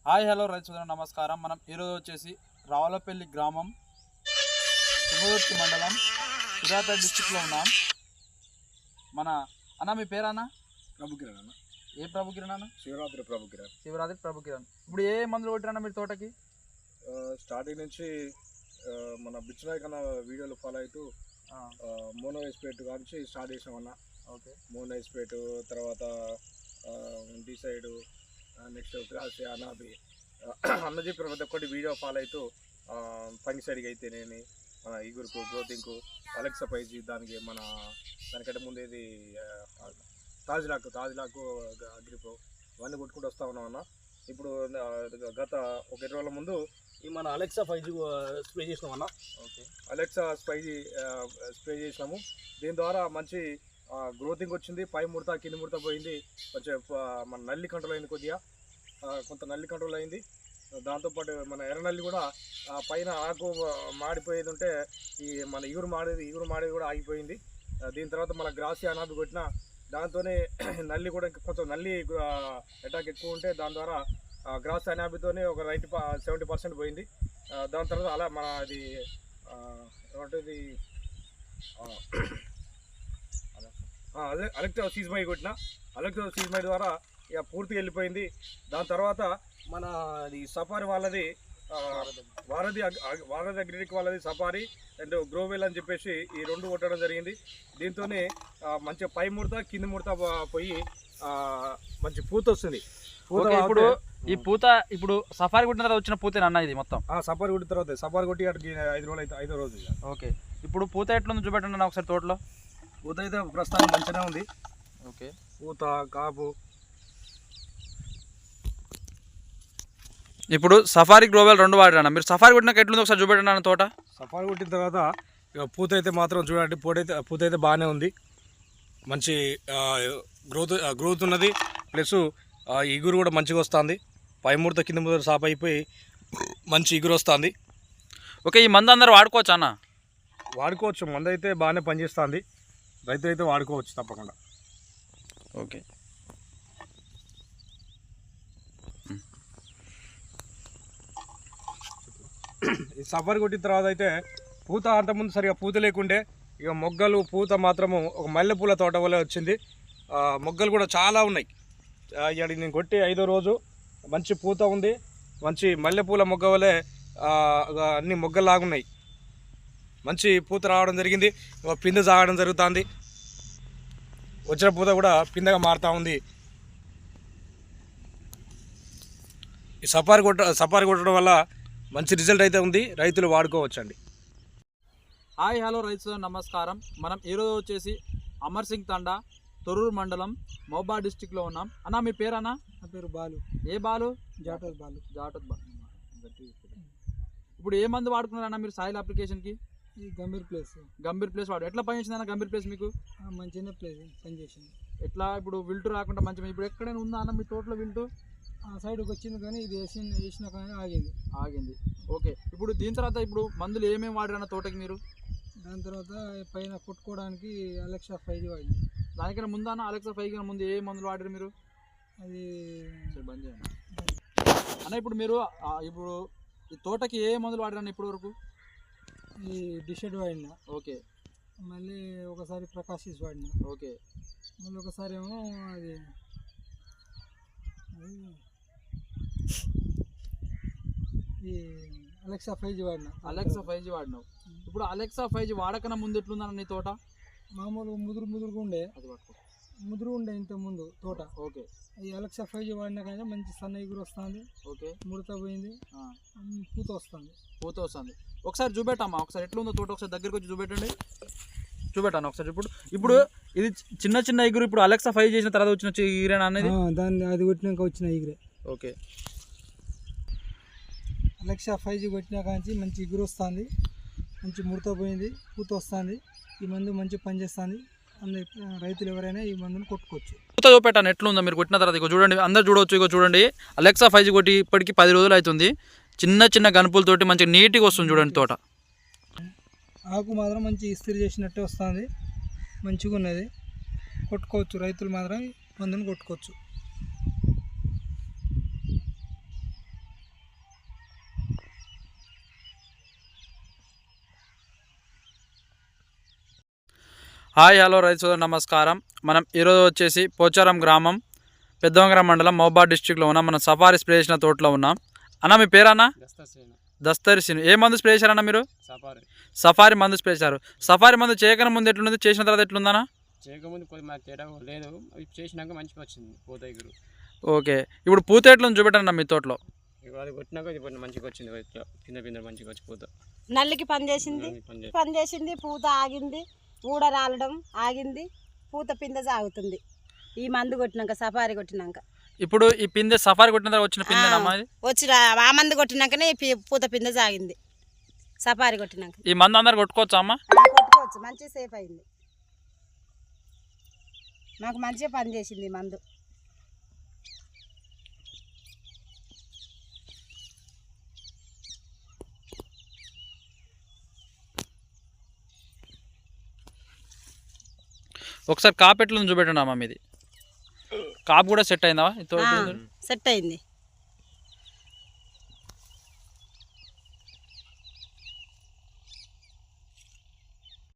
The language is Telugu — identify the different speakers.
Speaker 1: హాయ్ హలో రైతు సోదరులకు నమస్కారం. మనం ఈరోజు వచ్చేసి రావులపల్లి గ్రామం తుంగతుర్తి మండలం సూర్యాపేట డిస్టిక్లో ఉన్నాం. మన అన్న మీ పేరు అన్న?
Speaker 2: ప్రభుకిరణ్ అన్న.
Speaker 1: ఏ ప్రభుకిరణ్ అన్న?
Speaker 2: శివరాత్రి ప్రభుకిరణ్.
Speaker 1: శివరాత్రి ప్రభుకిరణ్. ఇప్పుడు ఏ మందులు కొట్టిరన్న మీరు తోటకి?
Speaker 2: స్టార్టింగ్ నుంచి మన బిచ్చునాయక్ అన్న వీడియోలు ఫాలో అవుతూ మోనో ఎస్పేట్ నుంచి స్టార్ట్ చేసామన్న.
Speaker 1: ఓకే,
Speaker 2: మోనో ఎస్పేట్ తర్వాత డిసైడ్ నెక్స్ట్ క్రాస్ అనాబి అన్న చెప్పిన ప్రతి ఒక్కటి వీడియో ఫాలో అవుతూ ఫంగిసైడ్కి అయితేనేమి మన ఈగురుకు గ్రోతింగ్కు అలెక్సా పైజీ దానికి మన దానికంటే ముందేది తాజ్లాకు అగ్రిప్రో ఇవన్నీ కొట్టుకుంటూ వస్తూ ఉన్నాం అన్న. ఇప్పుడు గత ఒక 20 రోజుల ముందు ఈ మన అలెక్సా 5G స్ప్రే చేసినాం అన్న.
Speaker 1: ఓకే,
Speaker 2: అలెక్సా 5G స్ప్రే చేసినాము. దీని ద్వారా మంచి గ్రోతింగ్ వచ్చింది. పై ముడత కింది ముడత పోయింది. కొంచెం మన నల్లి కంట్రోల్ అయింది, కొద్దిగా కొంత నల్లి కంట్రోల్ అయింది. దాంతోపాటు మన ఎర్రనల్లి కూడా పైన ఆకు మాడిపోయేది ఉంటే ఈ మన ఇగురు మాడేది కూడా ఆగిపోయింది. దీని తర్వాత మన గ్రాసి అనాబి కొట్టిన దాంతోనే నల్లి కూడా ఇంకా కొంచెం నల్లి అటాక్ ఎక్కువ ఉంటే దాని ద్వారా గ్రాస్ అనాబితోనే ఒక 70% పోయింది. దాని తర్వాత అలా మన అది ఏమంటుంది అదే అలెక్సా సీజ్మై కొట్టిన అలెక్సా సీజ్మై ద్వారా ఇక పూర్తిగా వెళ్ళిపోయింది. దాని తర్వాత మన అది సఫారీ వాళ్ళది వారధి అగ్రిటెక్ వాళ్ళది సఫారీ అండ్ గ్రోవెల్ అని చెప్పేసి ఈ 2 కొట్టడం జరిగింది. దీంతోనే మంచిగా పై ముడత కింది ముడత పోయి మంచి పూత వస్తుంది.
Speaker 1: ఇప్పుడు ఈ పూత ఇప్పుడు సఫారీ కొట్టిన తర్వాత వచ్చిన పూతేనా అన్న ఇది మొత్తం?
Speaker 2: సఫారీ కొట్టిన తర్వాత సఫారీ కొట్టి అక్కడికి 5 రోజులు అయితే 5వ రోజు.
Speaker 1: ఓకే, ఇప్పుడు పూత ఎట్లుంది చూపెట్టండి అన్న ఒకసారి తోటలో.
Speaker 2: పూత అయితే ప్రస్తుతానికి మంచిగానే ఉంది.
Speaker 1: ఓకే,
Speaker 2: పూత కాపు.
Speaker 1: ఇప్పుడు సఫారీ గ్లోబల్ 2 వాడారన్న మీరు. సఫారీ కొట్టినాక ఎట్లుంది ఒకసారి చూపెట్టండి అన్న తోట.
Speaker 2: సఫారీ కొట్టిన తర్వాత ఇక పూత అయితే మాత్రం చూడండి, పూత అయితే బాగానే ఉంది. మంచి గ్రోత్ ఉన్నది. ప్లస్ ఇగురు కూడా మంచిగా వస్తుంది. పై ముడత కింద ముడత సాప్ అయిపోయి మంచి ఇగురు వస్తుంది.
Speaker 1: ఓకే, ఈ మందు అందరూ వాడుకోవచ్చు అన్న?
Speaker 2: వాడుకోవచ్చు, మందు అయితే బాగానే పనిచేస్తుంది. రైతులు అయితే వాడుకోవచ్చు తప్పకుండా.
Speaker 1: ఓకే,
Speaker 2: ఈ సఫారీ కొట్టిన తర్వాత అయితే పూత అంతకుముందు సరిగా పూత లేకుండే ఇక మొగ్గలు పూత మాత్రము ఒక మల్లెపూల తోట వల్ల వచ్చింది. మొగ్గలు కూడా చాలా ఉన్నాయి. ఇక్కడ నేను కొట్టి 5వ రోజు మంచి పూత ఉంది. మంచి మల్లెపూల మొగ్గ వల్లే అన్ని మొగ్గలాగున్నాయి. మంచి పూత రావడం జరిగింది. పిందె సాగడం జరుగుతుంది. వచ్చిన పూత కూడా పిందెగా మారుతూ ఉంది. ఈ సఫారీ కొట్టడం వల్ల మంచి రిజల్ట్ అయితే ఉంది. రైతులు వాడుకోవచ్చండి.
Speaker 1: హాయ్ హలో రైతు సోదరులకు నమస్కారం. మనం ఈరోజు వచ్చేసి అమర్ సింగ్ తండా తొర్రూరు మండలం మహబూబా డిస్టిక్లో ఉన్నాం. అన్న మీ పేరు అన్న?
Speaker 3: నా పేరు బాలు.
Speaker 1: ఏ బాలు?
Speaker 3: జాటోత్ బాలు.
Speaker 1: ఇప్పుడు ఏ మందు వాడుకున్నారన్న మీరు సాయిల్ అప్లికేషన్కి?
Speaker 3: ఈ గంభీర్ ప్లేస్
Speaker 1: వాడు ఎట్లా పనిచేసింది అన్న గంభీర్ ప్లేస్ మీకు?
Speaker 3: మంచిగా ప్లేస్ పనిచేసింది.
Speaker 1: ఎట్లా ఇప్పుడు విల్టు రాకుండా మంచిగా ఇప్పుడు ఎక్కడైనా ఉందా అన్న మీ తోటలో విల్టు?
Speaker 3: సైడ్కి వచ్చింది కానీ ఇది వేసిన కానీ ఆగింది.
Speaker 1: ఓకే, ఇప్పుడు దీని తర్వాత ఇప్పుడు మందులు ఏమేమి వాడారన్న తోటకి మీరు?
Speaker 3: దాని తర్వాత పైన కొట్టుకోవడానికి అలెక్సా 5G వాడింది.
Speaker 1: దానికైనా ముందు అన్న అలెక్సా 5 కన్నా ముందు ఏ మందులు వాడారు మీరు?
Speaker 3: అది
Speaker 1: బంద్ చేయండి అన్న. ఇప్పుడు మీరు ఇప్పుడు ఈ తోటకి ఏ మందులు వాడారన్న ఇప్పటి వరకు?
Speaker 3: ఈ డిషెడ్ వాడినా.
Speaker 1: ఓకే,
Speaker 3: మళ్ళీ ఒకసారి ప్రకాశిస్ వాడినా.
Speaker 1: ఓకే,
Speaker 3: మళ్ళీ ఒకసారి ఏమో అది ఈ అలెక్సా 5G
Speaker 1: వాడినావు. ఇప్పుడు అలెక్సా 5G వాడకన్నా ముందు ఎట్లుందన్న నీ తోట?
Speaker 3: మామూలు ముదురుగా ఉండే.
Speaker 1: అది పట్టుకో.
Speaker 3: ముదురు ఉండే ఇంత ముందు తోట.
Speaker 1: ఓకే,
Speaker 3: ఈ అలెక్సా 5G వాడినా కానీ మంచి సన్న ఎగురు వస్తుంది.
Speaker 1: ఓకే,
Speaker 3: ముడత పోయింది, పూత వస్తుంది. ఒకసారి చూపెట్టమ్మా, ఒకసారి ఎట్లుందో తోట ఒకసారి దగ్గరికి వచ్చి చూపెట్టాను ఒకసారి. ఇప్పుడు ఇది చిన్న ఎగురు. ఇప్పుడు అలెక్సా 5 చేసిన తర్వాత వచ్చిన ఎగురేనా అనేది? దాన్ని అది కొట్టినాక వచ్చిన ఎగురే.
Speaker 1: ఓకే,
Speaker 3: అలెక్సా 5G కొట్టినాక నుంచి మంచి ఎగురు వస్తుంది, మంచి ముడత పోయింది, పూత వస్తుంది. ఈ మందు మంచి పనిచేస్తుంది. రైతులు ఎవరైనా ఈ మందును కొట్టుకోవచ్చు.
Speaker 1: పూత చూపెట్టాను ఎట్లుందో మీరు కొట్టిన తర్వాత. ఇగో చూడండి, అందరు చూడవచ్చు. ఇగో చూడండి, అలెక్సా 5G కొట్టి ఇప్పటికి 10 రోజులు అవుతుంది. చిన్న గనుపులతోటి మంచిగా నీట్గా వస్తుంది చూడండి తోట.
Speaker 3: ఆకు మాత్రం మంచి ఇస్త్రీ చేసినట్టే వస్తుంది, మంచిగా ఉన్నది. కొట్టుకోవచ్చు, రైతులు మాత్రం మందును కొట్టుకోవచ్చు. హాయ్ హలో రైతు సోదరు నమస్కారం. మనం ఈరోజు వచ్చేసి పోచారం గ్రామం పెద్దవంగరం మండలం మహబూబాబాద్ డిస్ట్రిక్ట్లో ఉన్నాం. మనం సఫారీ స్ప్రే చేసిన తోటలో ఉన్నాం. అన్న మీ పేరన్నా? దస్తరి సీను. ఏ మందు స్ప్రే చేశారన్న మీరు? సఫారీ మందు స్ప్రే చేశారు. సఫారీ మందు చేయకన ముందు ఎట్లుంది, చేసిన తర్వాత ఎట్లుందన్నా?
Speaker 4: చేయకముందు కొద్ది మాకు తేడా లేదు, అవి చేసినాక మంచిగా వచ్చింది పూత ఎగురు.
Speaker 3: ఓకే, ఇప్పుడు పూత ఎట్లుంది చూపెట్టండి మీ తోటలో.
Speaker 4: అది కొట్టినాక ఇది మంచిగా వచ్చింది, కింద కింద మంచిగా వచ్చి పూత.
Speaker 5: నల్లికి పని చేసింది, పూత ఆగింది, ఊడ రాలడం ఆగింది, పూత పిందె సాగుతుంది ఈ మందు కొట్టినాక, సఫారీ కొట్టినాక.
Speaker 3: ఇప్పుడు ఈ పిందె సఫారీ కొట్టిన తర్వాత వచ్చిన పిందె
Speaker 5: వచ్చిన ఆ మందు కొట్టినాకనే పూత పిందె సాగింది సఫారీ కొట్టినాక.
Speaker 3: ఈ మందు అందరు కొట్టుకోవచ్చా అమ్మ?
Speaker 5: కొట్టుకోవచ్చు, మంచిగా సేఫ్ అయింది, మాకు మంచిగా పని చేసింది మందు.
Speaker 3: ఒకసారి కాపు ఎట్లుంది చూపెట్టండి అమ్మ. మీది కాపు కూడా సెట్ అయిందా?
Speaker 5: సెట్ అయింది.